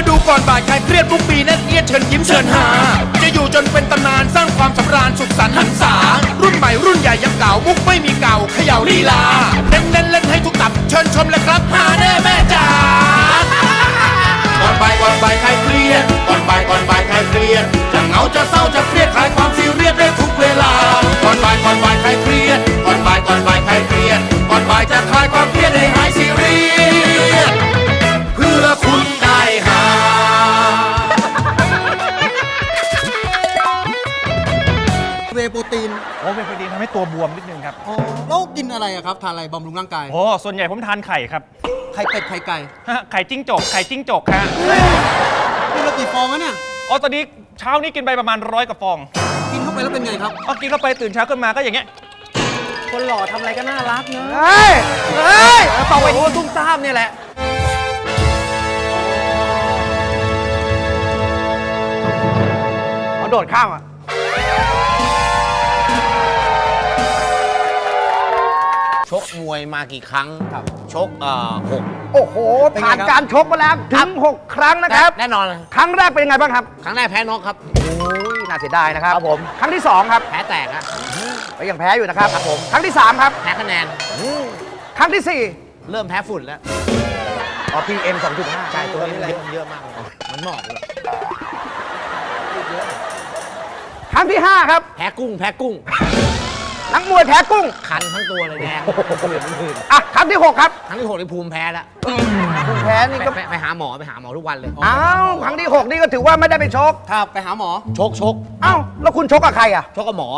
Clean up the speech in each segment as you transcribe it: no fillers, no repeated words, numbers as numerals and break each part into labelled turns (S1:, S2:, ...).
S1: มาดูก่อนบ่ายใครเครียดทุกปีนั่นเอียดเชิญยิ้มเชิญหาจะอยู่จนเป็นตำนานสร้างความสำราญสุขสันต์หันษารุ่นใหม่รุ่นใหญ่ยังเก่ามุกไม่มีเก่าเขย่าลีลาเน้นเล่นให้ทุกตับเชิญชมเลยครับหาแน่แม่จ๋าก่อนบ่ายใครเครียดก่อนบ่ายใครเครียดจะเหงาจะเศร้าจะเครียดคลายความซีเรียสได้ทุกเวลาก่อนบ่ายใครเครียดก่อนบ่ายใครเครียดก่อนบ่ายจะคลายความเครียดให้หายซีเรียสเพื่อคุณได้หา
S2: เวย์โปรตีน
S3: โอ้เป็นโปรตีนทำให้ตัวบวมนิดนึงครับ
S2: อ๋อแล้วกินอะไรอะครับทานอะไรบำรุงร่างกาย
S3: โอ้ส่วนใหญ่ผมทานไข่ครับ
S2: ไข่เป็ดไข่ไก่
S3: ฮะไข่จิ้งจกฮะ
S2: กินละกี่ฟองวะเนี่ย
S3: อ๋อตอนนี้เช้านี้กินไปประมาณ100กว่าฟอง
S2: กินเข้าไปแล้วเป็นไงครับ
S3: พอกินเข้าไปตื่นเช้าขึ้นมาก็อย่างเงี้ย
S2: คนหล่อทำอะไรก็น่ารักเนอะ
S3: เฮ้ยเป่าไปที่ตุ้มซ่ามเนี่ยแหละเอาโดดข้ามอ่ะ
S4: ชกมวยมากี่ครั้งชก6
S3: โอ้โหผ่านการชกมาแล้วถึง6 ครั้งนะครับ
S4: แน่นอนเลย
S3: ครั้งแรกเป็นยังไงบ้างครับ
S4: ครั้งแรกแพ้น็อกครับ
S3: โอ้ยน่าเสียดายนะครับผมครั้งที่2ครับ
S4: แพ้แตกอะ
S3: ก็ยังแพ้อยู่นะครับผมครั้งที่3ครับ
S4: แพ้คะแนน
S3: ครั้งที่
S4: เริ่มแพ้ฝุ่นแล้ว
S3: 4อ๋อ PM 2.5
S4: ใช่ตัวนี้เยอะมากเลยมันหมอกเลย
S3: ครั้งที่5ครับ
S4: แพ้กุ้ง
S3: นักมวยแพ้กุ้ง
S4: คันทั้งตัวเลยแดงผื่น
S3: อ่ะครั้งที่6ครับ
S4: ครั้งที่6ในภูมิแพ้แล้ว
S3: ภูมิแพ้นี่ก็
S4: ไปหาหมอทุกวันเลย
S3: อ้าวครั้งที่6นี่ก็ถือว่าไม่ได้ไปชก
S2: ครับไปหาหมอ
S4: ชก
S3: อ้าวแล้วคุณชกกับใครอ่ะ
S4: ชกกับหมอ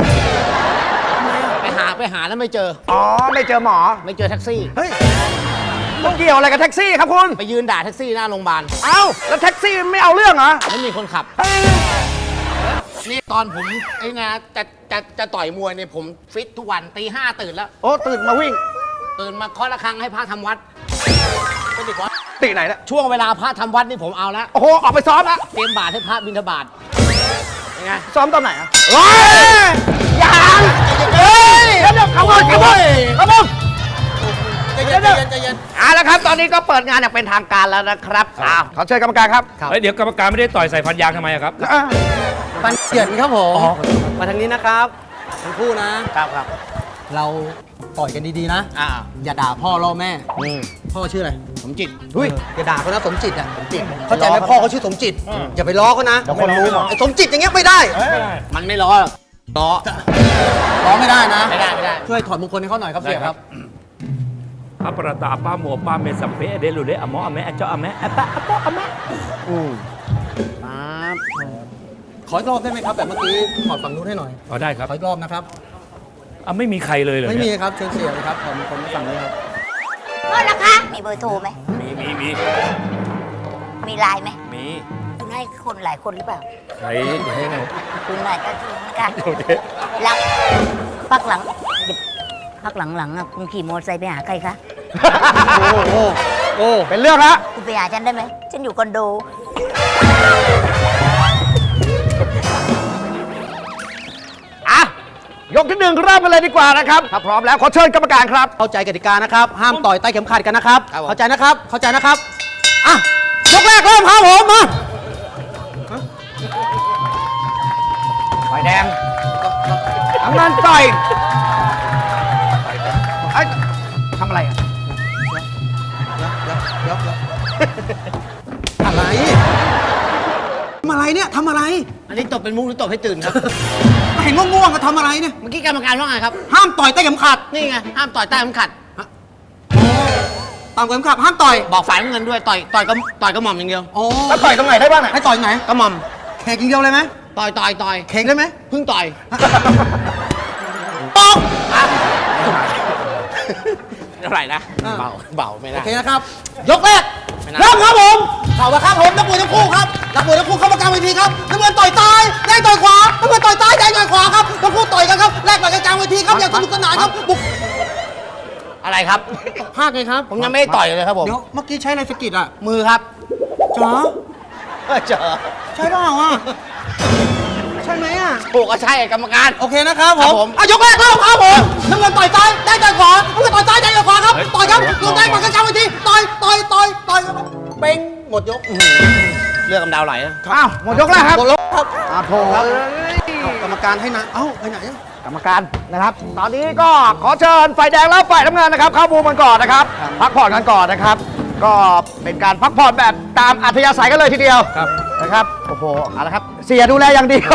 S4: ไปหาแล้วไม่เจอ
S3: อ๋อไม่เจอหมอ
S4: ไม่เจอแท็กซี่
S3: เฮ้ยมันเกี่ยวอะไรกับแท็กซี่ครับคุณ
S4: ไปยืนด่าแท็กซี่หน้าโรงพยาบาล
S3: เอ้าแล้วแท็กซี่ไม่เอาเรื่องเหรอ
S4: ไม่มีคนขับ
S3: เฮ้ย
S4: นี่ตอนผมไอ้นะจะต่อยมวยเนี่ยผมฟิตทุกวันตี 5ตื่นแล้ว
S3: โอ้ตื่นมาวิ่ง
S4: ตื่นมาเคาะระฆังให้พระทำวัดเป็นเด็กวัด
S3: ตีไหนเนี่ย
S4: ช่วงเวลาพระทำวัดนี่ผมเอาแล้ว
S3: โอ้โหออกไปซ้อมแล้ว
S4: เตรียมบาตรให้พระบิณฑบาตยังไง
S3: ซ้อมตอนไหนอ่ะเฮ้ยยังเฮ้ยเดี๋ยวเขาบอก
S4: ใจเย็น
S3: เอาละครับ ตอนนี้ก็เปิดงานอย่างเป็นทางการแล้วนะครับขอเชิญกรรมการครับ
S5: เฮ้ยเดี๋ยวกรรมการไม่ได้ต่อยใส่ฟันยางทำไมอะครับ
S2: ปันเกียรติครับผมมาทางนี้นะครับทั้งคู่นะครับ เราต่อยกันดีๆนะ อย่าด่าพ่อล่อแม่พ่อชื่ออะไร
S4: ผมจิต
S2: เฮ้ยอย่าด่าเขานะสมจิตอ่ะเข้าใจไหมพ่อเขาชื่อสมจิตอย่าไปล้อเขานะ
S3: เดี๋ยวคนรู้หมด
S2: ไอ้สมจิตอย่างเงี้ยไม่ได้
S4: มันไม่ล้อหรอกล้อ
S2: ล้อไม่ได้นะ
S4: ไม่ได้
S2: ช่วยถอดมงคลให้เขาหน่อยครับเสียครับ
S5: อัปราตาป้าหมัวป้าเมสัมเพเดลุเดอะมออะแมอะเจาะอะแมอะปะอะปะอะแม
S2: ขออีกรอบได้ไหมครับแบบเมื่อกี้ถอดฝั่งนู้นให้หน่อย
S5: เอาได้ครับ
S2: ขออีกรอบนะครับ
S5: อ่ะไม่มีใครเลยเหรอ
S2: ไม่มี
S5: เนี่ย
S2: ครับเชิญเสียเลยครับถอดมงคลให้ฝั่งนี้ครับ
S6: โทษนะคะ มีเบอร์โทรไหม มีไลน์ไหม
S5: มี
S6: คุณให้คนหลายคนหรือเปล่า
S5: ใครให้ไง
S6: คุณนายก็คือเหมือนกันแล้วพักหลังอ่ะคุณขี่มอเตอร์ไซค์ไปหาใครคะ
S3: โอ้เป็นเรื่องละ
S6: คุณไปหาฉันได้ไหม ฉันอยู่คอนโด
S3: อ่ะยกที่1เริ่มกันเลยดีกว่านะครับถ้าพร้อมแล้วขอเชิญกรรมการครับ
S2: เข้าใจกติกานะครับ ห้ามต่อยใต้เข็มขัดกันนะครับ เข้าใจนะครับ เข้าใจนะครับอ่ะยกแรกเริ่มครับผมมา
S3: ไฟแดงน้ำเงินต่อยไอ้ทำอะไรอ่ะ
S2: อะไรทำอะไรเนี่ยทำอะไร
S4: อันนี้ตบเป็นมุกหรือตบให้ตื่นครับ
S2: เห็นง่วงๆก็ทำอะไรเนี่ย
S4: เมื่อกี้กรรมการว่าไงครับ
S2: ห้ามต่อยใต้เข็มขัด
S4: นี่ไงห้ามต่อยใต้เข็มขัด
S2: ตามเข็มขัดห้ามต่อย
S4: บอกฝ่ายน้ำเงินด้วยต่อยกระหม่อมอย่างเดียว
S2: โอ้
S3: แล้วต่อยตรงไหนได้บ้างอ่ะ
S2: ให้ต่อยไหน
S4: กระหม่อม
S2: เค้กอย่างเดียวเลยไหม
S4: ต่อย
S2: เค้กได้ไหม
S4: เพิ่งต่อย
S2: ปอก
S4: เท่าไหร่นะเบาไม่
S2: โอ
S4: ได้
S2: เคนะครับ ยกแรก
S4: ไม่น่า
S2: เริ่มครับผมเข่ามาครับผมนักมวยทั้งคู่ครับนักมวยทั้งคู่เข้ามากลางเวทีครับน้ำเงินต่อยซ้ายแดงต่อยขวาน้ำเงินต่อยซ้ายแดงต่อยขวาครับทั้งคู่ต่อยกันครับแลกต่อยกันกลางเวทีครับอย่างสนุกสนานครับบุก
S4: อะไรครับ
S2: ภาคไงครับ
S4: ผมยังไม่ได้ต่อยเลยครับผม
S2: เดี๋ยวเมื่อกี้ใช้อะไรสะกิดอ่ะ
S4: มือครับ
S2: จ๋อ
S4: เจอ
S2: ใช่เปล่าอ่ะใช่ไหมอ่ะ
S4: ถูกก็ใช่กรรมการ
S2: โอเคนะครับผ
S4: ครับ
S2: ม
S4: ผม
S2: อ่ะยกแรกเริ่มครับผมน้ำเงินต่อยซ้ายแดงต่อยขวาน้ำเงินต่อยซ้ายแดงต่อยขวาครับต่อยครับลงแดงต่อยกันกลางเวทีต่อยครับเป้งหม
S4: มดยกเลือกกำดาวไหลนะ
S3: อ้าวหมดยกแล้วครับ
S4: หมดยกครับ
S3: อ้าวโถ
S2: กรรมการให้นะ เอ้าไปไหนอะ
S3: กรรมการนะครับ ตอนนี้ก็ขอเชิญฝ่ายแดงแล้วฝ่ายน้ำเงินนะครับ เข้ามุมกันก่อนนะครับ พักผ่อนกันก่อนนะครับ ก็เป็นการพักผ่อนแบบตามอัธยาศัยกันเลยทีเดียวนะครับโอ้โหเอาละครับเสียดูแลอย่างดี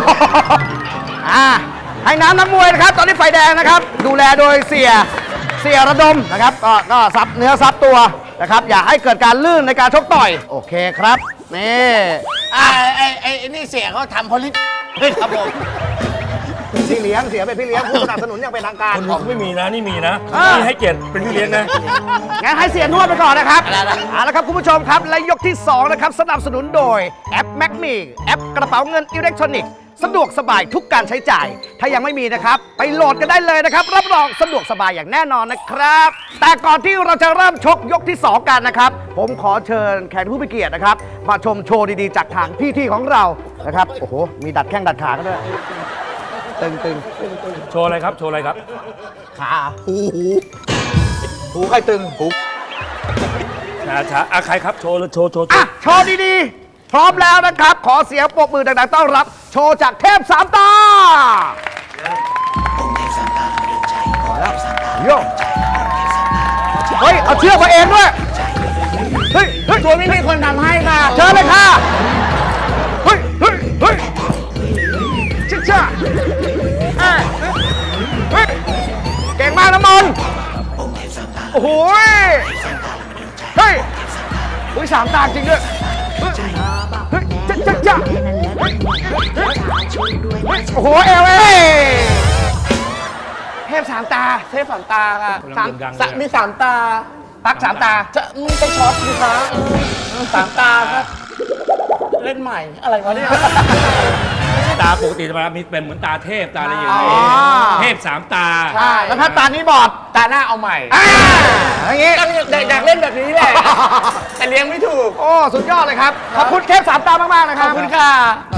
S3: ให้น้ำนักมวยนะครับ ตอนนี้ฝ่ายแดงนะครับ ดูแลโดยเสียระดมนะครับ ก็ซับเนื้อซับตัวนะครับ อย่าให้เกิดการลื่นในการชกต่อย โอเคครับนี่
S4: ไอ้นี่เสียเขาทำพลิตครับผม
S3: พี่เลี้ยงเสียเป็นพี่เลี้ยงผู้สนับสนุนอย่างเป็นทางการ
S5: คนไม่มีนะนี่มีนะ
S3: เออ
S5: นี่ให้เกียรติเป็นพี่เลี้ยงนะ
S3: งั้นให้เสียนวดไปก่อนนะครับ
S4: อะไรนะ
S3: เอาละครับคุณผู้ชมครับ และยกที่ 2 นะครับ สนับสนุนโดยแอป m a c m e แอปกระเป๋าเงินอิเล็กทรอนิกส์สะดวกสบายทุกการใช้จ่าย ถ้ายังไม่มีนะครับ ไปโหลดกันได้เลยนะครับ รับรองสะดวกสบายอย่างแน่นอนนะครับ แต่ก่อนที่เราจะเริ่มชกยกที่ 2 กันนะครับ ผมขอเชิญแขกผู้มีเกียรตินะครับ มาชมโชว์ดีๆ จากทางพี่ที่ของเรานะครับโอ้โหมีดัดแข้งดัดขากันด้วยตึง
S5: โชว์อะไรครับ โชว์อะไรครับ
S3: ขาหูใครตึงหู
S5: ช้าใครครับ โชว์เลยโชว์
S3: อ่ะโชว์ดีๆ พร้อมแล้วนะครับ ขอเสียงปรบมือดังๆต้อนรับ โชว์จากเทพสามตาโยเฮ้ย เอาเชือกมาเองด้วย เฮ้ยตัวนี้มีคนทำให้ค่ะ เชิญเลยค่ะ เฮ้ยชิ่าเฮ้ย เก่งมากนะมนโอ้โหเฮ้ยอุ้ยสามตาจริงด้วยเฮ้ยจ้าโอ้โหเอลเทพสามตาค่ะ
S5: กำลังดังเลย
S3: มีสามตา ปักสามตา
S4: จะไปช็อตสิคะสามตาครับ เล่นใหม่อะไรวะเนี่ย
S5: ตาปกติจะมีเป็นเหมือนตาเทพตาอะไรอย่าง
S3: อ๋
S5: เงี้ย
S3: อ
S5: เทพสามตา
S3: ใช่แล้วถ้าตานี้บอด
S4: ตาหน้าเอาใหม่
S3: อย่างงี้
S4: อยากเล่นแบบนี้แหละ แต่เลี้ยงไม่ถูก
S3: โอ้ สุดยอดเลยครับ ขอบคุณเทพสามตามาก ๆ นะครับ
S4: ขอบคุณค่ะ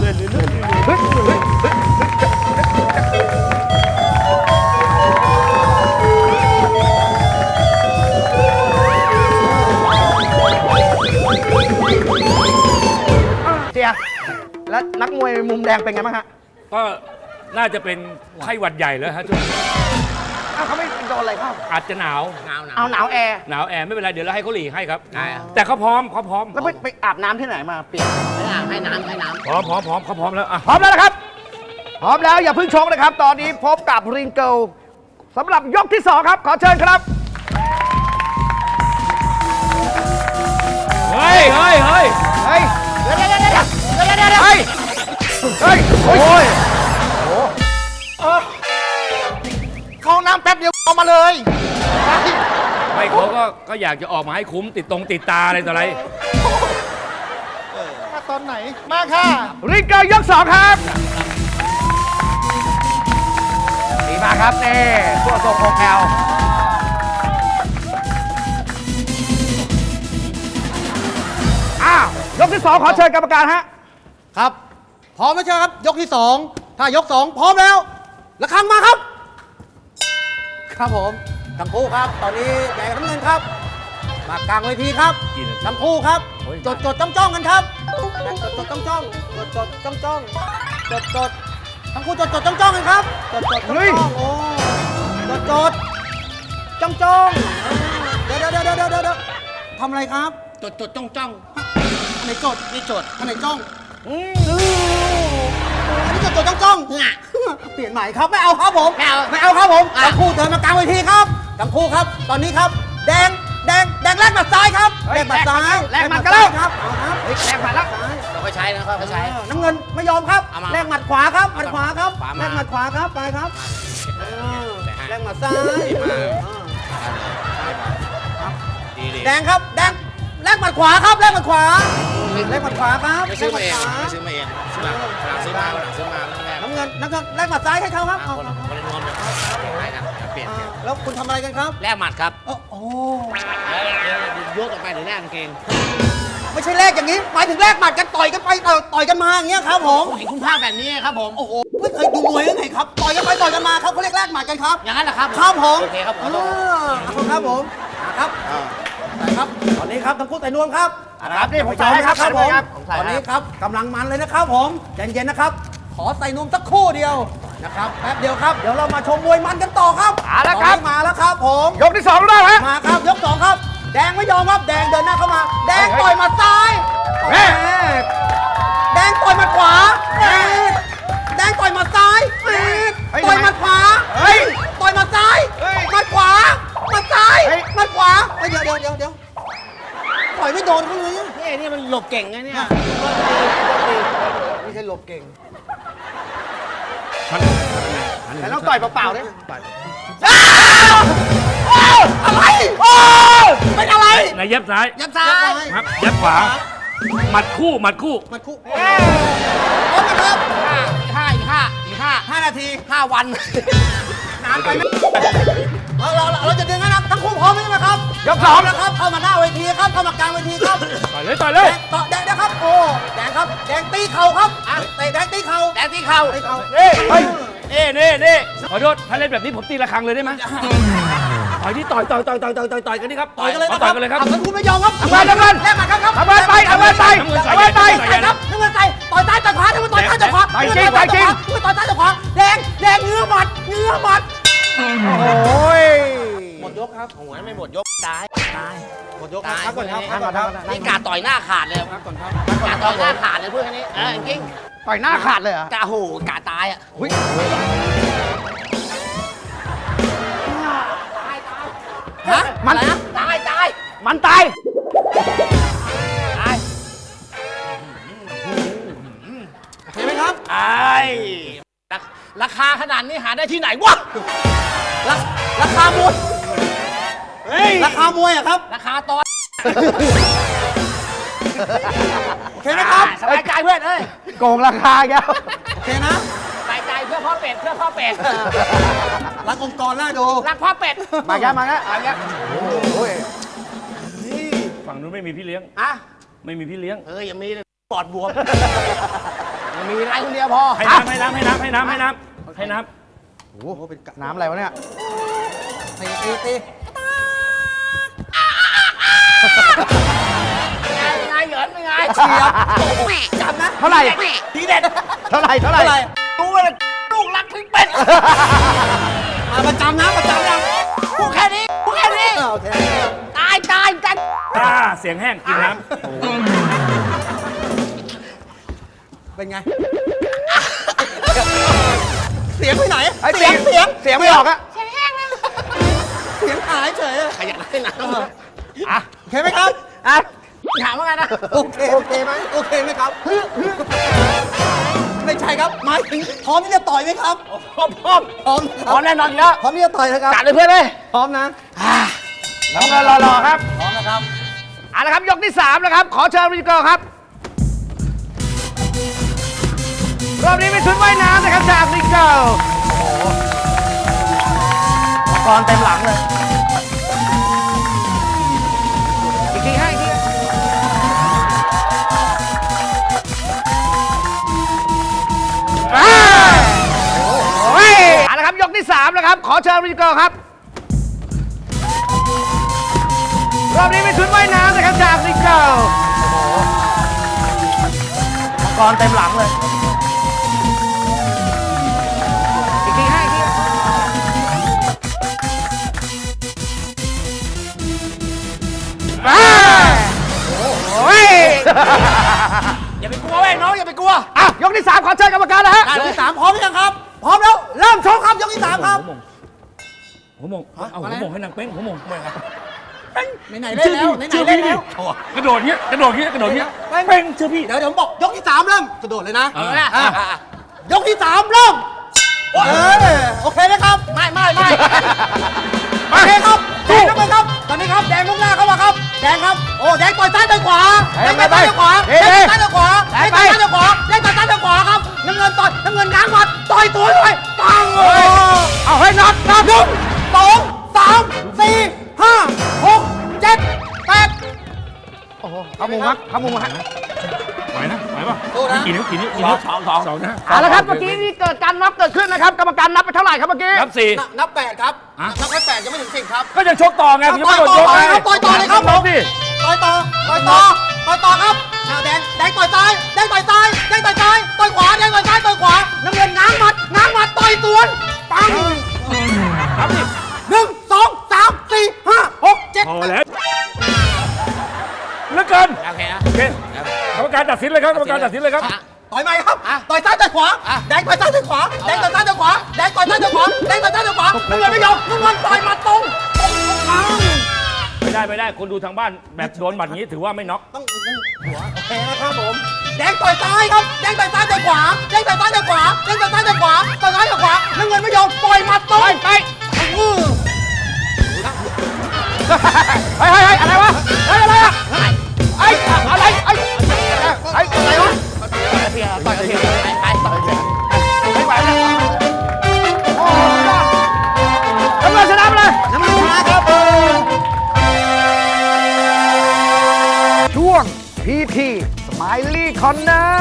S3: เสียแล้วนักมวยมุมแดงเป็นไงบ้างฮะ
S5: ก็น่าจะเป็นไข้หวัดใหญ่แล้วฮะช่วงนี้
S3: อ้าวเขาไม่โดนอะไรเข้า
S5: อาจจะหนาว
S3: เอาหนาวแอร์
S5: หนาวแอร์ไม่เป็นไรเดี๋ยวเราให้เขาหลีกให้ครับ แต่เขาพร้อม
S3: แล้วไปอาบน้ำที่ไหนมาเปลี่ยน
S4: ให้น้ำ
S5: พร้อมเขาพร้อมแล้วอ่ะ
S3: พร้อมแล้วนะครับ พร้อมแล้วอย่าเพิ่งชกนะครับ ตอนนี้พบกับริงเกิลสำหรับยกที่ 2 ครับ ขอเชิญครับ
S5: เฮ้ย
S3: เฮ้ยเฮ้ยโอ้ย
S4: เข้าน้ำแป๊บเดียวเอามาเลย
S5: ไม่เขาก็อยากจะออกมาให้คุ้มติดตาอะไรต่ออะไร
S4: มาตอนไหน มาค่ะ
S3: ริงเกิลยก 2 ครับดีมากครับนี่ตัวทรงโคแคลอ้าวยกที่ 2 ขอเชิญกรรมการฮะ
S2: ครับ พร้อมไหมใช่ครับ ยกที่ 2 ถ้ายก 2 พร้อมแล้วระฆังมาครับ ครับผมทั้งคู่ครับ ตอนนี้แดงกับน้ำเงินครับ มากลางเวทีครับ
S5: กี่นาที
S2: ทั้งคู่ครับ
S5: โอ้ย
S2: จดจ้องกันครับจดจ้องทั้งคู่จดจ้องกันครับจด
S3: เฮ้ย
S2: โอ้จดจ้องเดี๋ยวทำอะไรครับ
S4: จดจ้อง
S2: อันไหนจด
S4: นี่จด
S2: อันไหนจ้องอันนี้จดจ้อง
S4: ง่ะ
S2: เปลี่ยนใหม่ครับไม่เอาครับผม
S4: ไม่เอา
S2: ครับผม
S4: อ่ะ
S2: ทั้งคู่เดินมากลางเวทีครับทั้งคู่ครับ ตอนนี้ครับ แดงแลกหมัดซ้ายครับ
S3: เฮ้ย
S2: แลกหมัดซ้าย
S3: แลกหมัดกันแล้ว
S2: ครับเอาครับ
S3: เฮ้ยแรงมาแล้ว
S2: ซ้าย
S4: เราก็ใช้นะเขาใช้
S2: น้ำเงินไม่ยอมครับ
S4: เอามา
S2: แลกหมัดขวาครับหมัดขวาครับ
S4: ขวามา
S2: แลกหมัดขวาครับไปครับแลกหมัดซ้าย
S4: ดี
S2: แดงครับแดงแลกหมัดขวาครับแลกหมัดขวาแลกหมัดขวาครับ
S4: ไม่ซื้อมาเอง
S2: แลกห
S4: ไม่
S2: ดขว
S4: ซื้อมาเองหลังซื้อมาแรก
S2: น้ำเงินแลกหมัดซ้ายให้เขาครับเอา
S4: คนละนวมเลยเปลี่ยน
S2: แล้วคุณทำอะไรกันครับ
S4: แลกหมัดครับ
S2: โอ้โห
S4: ยกออกไปหรือแลกกางเกง
S2: ไม่ใช่แลกอย่างนี้หมายถึงแลกหมัดกันต่อยกันไปต่อยกันมาอย่างเงี้ยครับผม
S4: ผมเห็นคุณภาพแบบนี้ครับผม
S2: โอ้โหไม่เคยดูมวยยังไงครับต่อยกันไปต่อยกันมาครับเขาเรียกแลกหมัดกันครับ
S4: อย่างนั้นเหรอครับ
S2: ครับผม
S4: โอเคครับขอโทษ
S2: ครับผมครับตอนนี้ครับทั้งคู่แต่นวมครับ
S3: นะครับนี่ผม
S2: ใส่
S3: ใส่ให้ครับ
S2: ครับผม
S3: ผมใส่
S2: ตอน
S3: ให้
S2: นี้ครับกำลังมันเลยนะครับผมใจเย็นๆนะครับ ขอใส่นมสักครู่เดียวนะครับแป๊บเดียวครับเดี๋ยวเรามาชมมวยมันกันต่อครับ
S3: เอาละครับ
S2: ตอนนี้มาแล้วครับผม
S3: ยกที่2แล้วฮะ
S2: มาครับยก 2 ครับ แดงไม่ยอมครับแดงเดินหน้าเข้ามา แดงต่อยหมัดซ้าย
S3: เฮ้ย
S2: แม่แดงต่อยหมัดขวาแดงต่อยหมัดซ้ายต่อยหมัดขวา
S3: เฮ้ย
S2: ต่อยหมัดซ้าย
S3: เฮ้ย
S2: หมัดขวาหมัดซ้าย
S3: เฮ้ย
S2: หมัดขวาเฮ้ยเดี๋ยวต่อยไม่โดนเขาเลยอะ
S4: นี่มันหลบเก่งไงเนี่ย
S3: ไม่ใช่หลบเก่งแต่ต้องต่อยเปล่าๆด้วย
S2: อะไรเป็นอะไร
S5: นายเย็บซ้าย
S4: ยับซ้าย
S5: ครับเย็บขวาหมัดคู่หมัดคู่
S2: หมัดคู่พร้อมนะครับ
S4: อีกห้านาที5 วัน
S2: นานไปไหมเราจะดึงนะครับทั้งคู่พร้อมไหมครับ
S3: ยกสอง
S2: นะครับเข้ามาหน้าเวทีครับเข้ามากลางเวทีครับ
S5: ต่อยเลยต่อยเลย
S2: ต่อแดงนะครับโอ้แดงครับแดงตีเข่าครับเตะแดงตีเข่า
S4: แดงที่เข่า
S2: ตีเข่า
S5: เฮ้ยนี่ขอโทษถ้าเล่นแบบนี้ผมตีระฆังเลยได้ไหมต่อยที่ต่อยกันนี่ครับ
S2: ต่อยกันเลย
S5: ต่
S2: นะค
S5: อ
S2: รั
S5: ยกันเลยครับ
S2: ทั้งคู่ไม่ยอมครับ
S3: ทำไม
S2: แลกหมัดครับ
S3: ทำไมไปทำไมไป
S5: น้ำเงินใส่
S3: ทำไมไป
S5: ใส่
S2: ครับน้ำเงินใส่ต่อยซ้ายต่อยขวาน้ำเงินต่อยซ้ายต่อยขวา
S3: ต่อยจริงต่อยจริง
S2: น้ำเงินต่อยซ้ายต่อยขวาแดงเงื้อหมัด
S3: โอ้ย
S2: หมดยกครับ
S4: โอ้ยไม่หมดยกตาย
S2: หมดยกครับพักก่อนครับพักก่อนครับ
S4: นี่กาต่อยหน้าขาดเลย
S2: พักก่อนครับ
S4: กาต่อยหน้าขาดเลยเพื่อนคนนี้จริง
S3: ต่อยหน้าขาดเลยเหรอ
S4: กาโหกาตายอ่ะ
S3: อุ๊ย
S2: ฮะ
S3: มัน
S4: อะไรนะตาย
S3: มันตาย
S2: เห็นไหมครับ
S4: ตายราคาขนาดนี้หาได้ที่ไหนวะ
S2: ราคามวยราคามวยอะครับ
S4: ราคาตอน
S2: โอเคไหมครับ
S4: สบายใจเพื่อนเอ้ย
S3: โกงราคาแกแล้ว
S2: โอเคนะ
S4: สบายใจเพื่อพ่อเป็ดเพื่อพ่อเป็ด
S2: รักองค์กรน่าดู
S4: รักพ่อเป็ด
S3: มาแกมาแก
S4: เอาเงี้ย
S3: โอ้ย
S5: ฝั่งนู้นไม่มีพี่เลี้ยง
S4: อ่ะ
S5: ไม่มีพี่เลี้ยง
S4: เฮ้ยยังมีเลยปอดบวมยังมีอะไรคนเดียวพอ
S5: ให้น้ำให้น้ำให้น้ำให้น้ำให้น้ำให้น้ำ
S3: โอ้โหเป็นน้ำอะไรวะเนี่ย
S2: ตี
S4: เป็นไงเหยินเป็นไง
S2: เฉียบจำนะ
S3: เท่าไหร่
S4: ทีเด็ด
S3: เท่าไหร่
S2: เท่าไหร่
S4: รู้เลยลูกรักพี่เป็ด
S2: ประจำนะประจำยัง
S4: พูดแค่นี้พูดแค่นี้
S2: โอเค
S4: ตายกัน
S5: เสียงแห้งกินน้ำ
S2: เป็นไง เสียงไปไหน
S3: ไอ้เสียงไม่ออกอะ
S2: เสียงหายเฉย
S4: ใครอยากได้น้ำ
S3: อ่ะ
S2: โอเคไหมครับ
S3: อ่ะ
S4: ถามว่าไงนะ
S2: โอเคไหมโอเคไหมครับไม่ใช่ครับหมายถึงพร้อมที่จะต่อยไหมครับ
S4: พร้อม
S2: พร้อม
S4: พร้อมแน่นอนอยู่แล้ว
S2: พร้อมที่จะต่อยนะครับ
S4: จัดเลยเพื่อนเลย
S2: พร้อมนะ
S3: น้ำเงินรอๆครับ
S2: พร้อมนะครับ
S3: เอาละครับยกที่3นะครับ ขอเชิญวิจกรครับ รอบนี้เป็นชุดว่ายน้ำนะครับจากริเกิลโอ้โหมังกรเต็มหลังเลย อีกทีให้อีกทีโอ้ยเอาละครับยกที่3นะครับ ขอเชิญวิจกรครับ รอบนี้เป็นชุดว่ายน้ำนะครับจากริเกิลโอ้โหมังกรเต็มหลังเลย อีกทีให้อีกทีโอ้ย
S4: อย่าไปกลัวเว้ยน้องอย่าไปกลัว
S3: อ่ะยกที่ 3 ขอเชิญกรรมการนะฮะ
S2: ยกที่ 3 พร้อมหรือยังครับ พร้อมแล้ว เริ่มชกครับ ยกที่ 3 ครับ
S5: หัวมงเอาหัวมงให้นางเป้งหัวมง
S2: ไหนๆเล่นแล้วไหนๆเล่นแล้ว
S5: กระโดดเงี้ยกระโดดเงี้ยกระโดดเงี้ยเป้งเชื่อพี่
S2: เดี๋ยวผมบอกยกที่ 3 เริ่มกระโดดเลยนะ
S5: เออ
S2: ยกที่ 3 เริ่มโอเคไหมครับ
S4: ไม่
S2: โอเคครับแดงเข้าไปครับ ตอนนี้ครับแดงมุ่งหน้าเข้ามาครับ แดงครับ โอ้แดงต่อยซ้ายต่อยขวา แดงต่อยซ้ายต่อยขวา แดงต่อยซ้ายต่อยขวา แดงต่อยซ้ายต่อยขวา แดงต่อยซ้ายต่อยขวาครับ น้ำเงินต่อยน้ำเงินง้างหมัดต่อยตัวด้วยปัง
S3: เอาให้น็อต
S2: 1 2 3 4 5 6 7 8
S3: โอ้โหเข้ามุมครับเข้ามุมครับ
S5: ไหวนะไหวป่ะ
S2: สู้นะ
S5: กี่นิ้วกี่นิ้วกี่นิ้วสองนะ
S3: เอาละครับเมื่อกี้นี่เกิดการน็อกเกิดขึ้นนะครับ กรรมการนับไปเท่าไหร่ครับเมื่อกี้
S5: นับสี่
S2: นับ 8 ครับ นับแค่8ยังไม่ถึง10ครับ
S5: ก็ยังชกต่อไงผมยังไม่หมดยกไง
S2: ต่อยต่อเลยครับ
S5: น้องดิ
S2: ต่อยต่อต่อยต่อต่อยต่อยต่อครับอ้าวแดงต่อยซ้ายแดงต่อยซ้ายแดงต่อยซ้ายต่อยขวาแดงต่อยซ้ายต่อยขวาน้ำเงินง้างหมัดต่อยสวนปัง
S5: ครับดิ
S2: 1 2 3 4 5 6 7
S5: พอแล้วเหลือเกิน
S4: โอเคนะ
S5: โอเคกรรมการตัดสินเลยครับกรรมการตัดสินเลยครับ
S2: ต่อยไหมครับต่อยซ้ายต่อยขวาแดงต่อยซ้ายต่อยขวาแดงต่อยซ้ายต่อยขวาแดงต่อยซ้ายต่อยขวาแดงต่อยซ้ายต่อยขวาน้ำเงินไม่ยอมน้ำเงินต่อยหมัดตรงปัง
S5: ไม่ได้คนดูทางบ้านแบบโดนบัตรนี้ถือว่าไม่น็อก
S2: ต้องหัวโอเคนะครับผมแดงต่อยซ้ายครับแดงต่อยซ้ายต่อยขวาแดงต่อยซ้ายต่อยขวาแดงต่อยซ้ายต่อยขวาต่อยซ้ายต่อยขวาน้ำเงินไม่ยอมปล่อยหมัดตรงไปอะไรวะอะไรอะอะไรวะ
S4: ต่อยกันเถอะไป
S2: ไม่ไหวแล้ว
S3: น้ำเงินชนะไปเลย
S2: น้ำเงินชนะครับ
S3: ช่วง PT Smiley Corner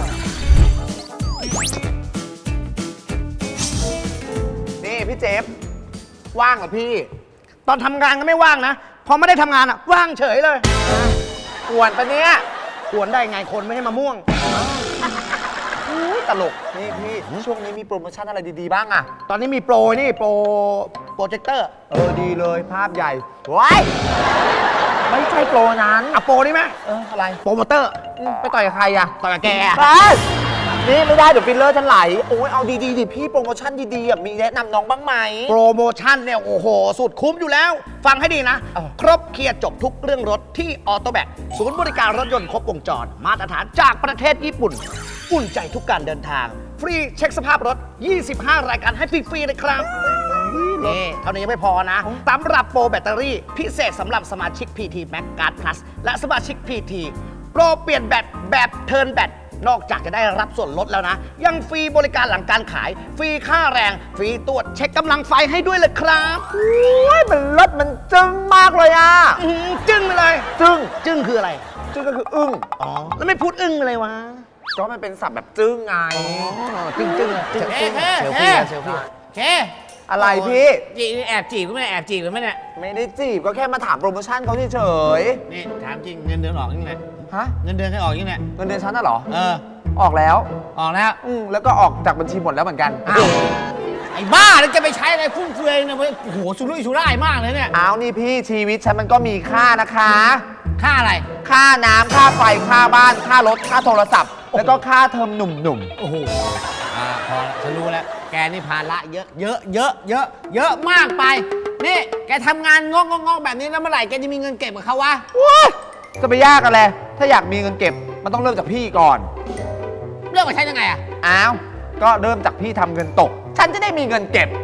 S7: นี่พี่เจฟว่างเหรอพี่
S3: ตอนทำงานก็ไม่ว่างนะ พอไม่ได้ทำงานอ่ะ ว่างเฉยเลย
S7: กวนปะเนี่ย
S3: กวนได้ไงคนไม่ให้มะม่วง
S7: อุ๊ยตลก นี่พี่ช่วงนี้มีโปรโมชั่นอะไรดีๆบ้างอะ
S3: ตอนนี้มีโปรนี่โปรเจคเตอร์
S7: ดีเลยภาพใหญ่ว้ายไม่ใช่โปรนั้น
S3: อะโปรนี่ไหม
S7: อะไร
S3: โปรโมเตอร์
S7: ไปต่อยกับใครอะ
S3: ต่อยกับแก
S7: ไปนี่ไม่ได้เดี๋ยวฟิลเลอร์ฉันไหล โอ้ยเอาดีๆดิพี่โปรโมชั่นดีๆอะมีแนะนำน้องบ้างไหม
S3: โปรโมชั่นเนี่ยโอ้โห สุดคุ้มอยู่แล้ว ฟังให้ดีนะ ครบเคลียร์จบทุกเรื่องรถที่ออโตแบกศูนย์บริการรถยนต์ครบวงจร มาตรฐานจากประเทศญี่ปุ่น อุ่นใจทุกการเดินทาง ฟรีเช็คสภาพรถ 25 รายการให้ฟรีๆเลยครับนี่เท่านี้ยังไม่พอนะสำหรับโปรแบตเตอรี่ พิเศษสำหรับสมาชิก PT Max Card Plus และสมาชิก PT โปรเปลี่ยนแบตแบบเทิร์นแบต นอกจากจะได้รับส่วนลดแล้วนะ ยังฟรีบริการหลังการขาย ฟรีค่าแรง ฟรีตรวจเช็คกำลังไฟให้ด้วยเลยครับ
S7: โอ้ยมันรถมันจึ้งมากเลยอะ
S3: จึ้งไปเลย
S7: จึ้ง
S3: จึ้งคืออะไร
S7: จึ้งก็คืออึ้ง
S3: อ๋อ แล้วไม่พูดอึ้งไปเลยวะ
S7: ก็มันเป็นศัพท์แบบจึ้งไง
S3: จึ้งจึ้งจึ้งจึ้งเซลฟี่เซลฟี่
S4: เค
S7: อะไรพี่
S4: จีแอบจีบหรือไม่แอบจีบหรือไม่เนี่ย
S7: ไม่ได้จีบก็แค่มาถามโปรโมชั่นเขาเฉย
S4: นี่ถามจริงเงินเดือนออกยังไง
S7: ๆฮะ
S4: เงินเดือนให้ออกยังไง
S7: เงินเดือนฉันน่ะเหรอ
S4: ออกแล้ว
S7: ออกแล้ว
S4: ออกแล้ว
S7: แล้วก็ออกจากบัญชีหมดแล้วเหมือนกัน
S4: อ้าวไอ้บ้าแล้วจะไปใช้อะไรฟุ่มเฟือยเนี่ยโอ้โหสุรุ่ยสุร่ายมากเลยเนี่ย
S7: อ้าวนี่พี่ชีวิตฉันมันก็มีค่านะคะ
S4: ค่าอะไร
S7: ค่าน้ำค่าไฟค่าบ้านค่ารถค่าโทรศัพท์ แล้วก็ค่าเทอมหนุ่ม
S4: โอ้โหพอละฉันรู้แล้ว แกนี่ภาระเยอะเยอะมากไป นี่ แกทำงานงอกแบบนี้แล้วเมื่อไหร่แกจะมีเงินเก็บกับเขาวะ
S7: ๆว้ายจะไปยากอะไรถ้าอยากมีเงินเก็บมันต้องเริ่มจากพี่ก่อน
S4: เรื่องกับฉันยังไงอะ
S7: อ้าวก็เริ่มจากพี่ทำเงินตก ฉันจะได้มีเงินเก็บ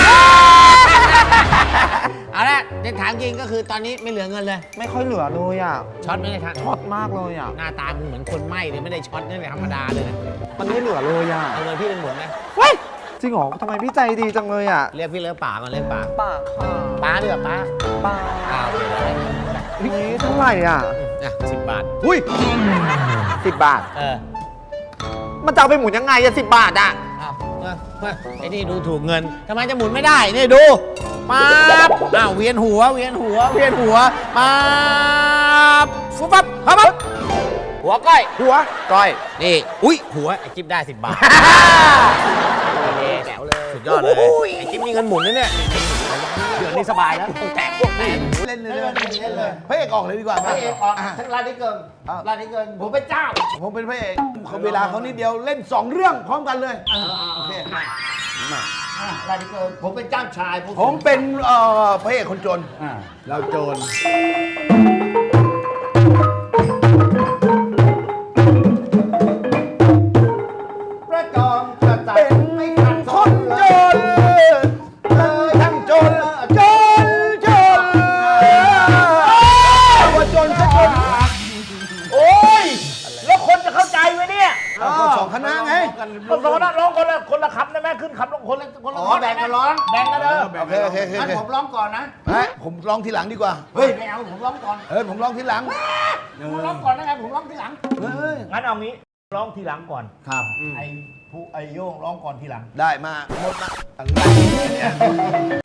S4: เอาละเด็กถามจริงก็คือตอนนี้ไม่เหลือเงินเลย
S7: ไม่ค่อยเหลือเลยอ่ะ
S4: ช็อตไม่ได้ทัน
S7: ช็อตมากเลยอ่ะ
S4: หน้าตามึงเหมือนคนไหม้เลยไม่ได้ช็อตนี่เลยธรรมดาเลยนะ
S7: มันไม่เหลือเลยอ่ะ
S4: เอาเงินพี่เป็นหมุนไหม
S7: เฮ้ยจริงเหรอทำไมพี่ใจดีจังเลยอ่ะ
S4: เรียกพี่เลิกป่าก่อนเลิกป่า
S7: ป้าค่ะ
S4: ป้าเรียกป้า
S7: ป้า
S4: อ้าวเดี๋ยวได้
S7: นี่เท่าไหร่อ่ะ
S4: อ่ะ10 บาท
S7: อุ้ย10 บาท มันจะเอาไปหมุนยังไงอะ10 บาทอะ
S4: อ้าวไอ้นี่ดูถูกเงินทำไมจะหมุนไม่ได้นี่ดูปั๊บอ้าวเวียนหัวปั๊บฟุบปั๊บปั๊บหัวก้อย
S7: หัวก้อย
S4: นี่อุ้ยหัวไอ้จิ๊บได้10 บาทแจ๋วเลยสุดยอดเลยไอ้จิ๊บมีเงินหมุนนะเนี่ยเดือนนี้สบายแล้วแตกพวกแม่
S2: เล่นเลยพระเอกออกเลยดีกว่า
S4: พระเอกออกทั้งร้านนี้เกินร้านนี้เกินผมเป็นเจ้า
S2: ผมเป็นพระเอกเขาเวลาเขานิดเดียวเล่น 2 เรื่องพร้อมกันเลยโอเค
S4: ร้านนี้เกินผมเป็นเจ้าชาย
S2: ผมเป็นพระเอกคนจนเราโจรประจอมกระจัดไม่ขัดคนจนทั้งจนว่าจนสักคน
S5: โอ้ยแล้วคนจะเข้าใจไหมเนี่ย
S2: ก็สองคณะไง
S5: คนสองคนร้องคนละคำได้ไหมขึ้นคำร้องคนละ
S4: อ๋อแบ่งกันร้อง
S5: แบ่งกันเด้อ
S2: โอเค
S4: งั้นผมร้องก่อนนะ
S2: ผมร้องทีหลังดีกว่า
S4: เฮ้ยไม่เอาผมร้องก่อน
S2: ผมร้องทีหลัง
S4: ผมร้องก่อนนะไงผมร้องทีหลัง
S5: งั้นเอางี้ร้องทีหลังก่อน
S2: ครับ
S5: ไอ้โย่งร้องก่อนทีหลัง
S2: ได้มาหมดมา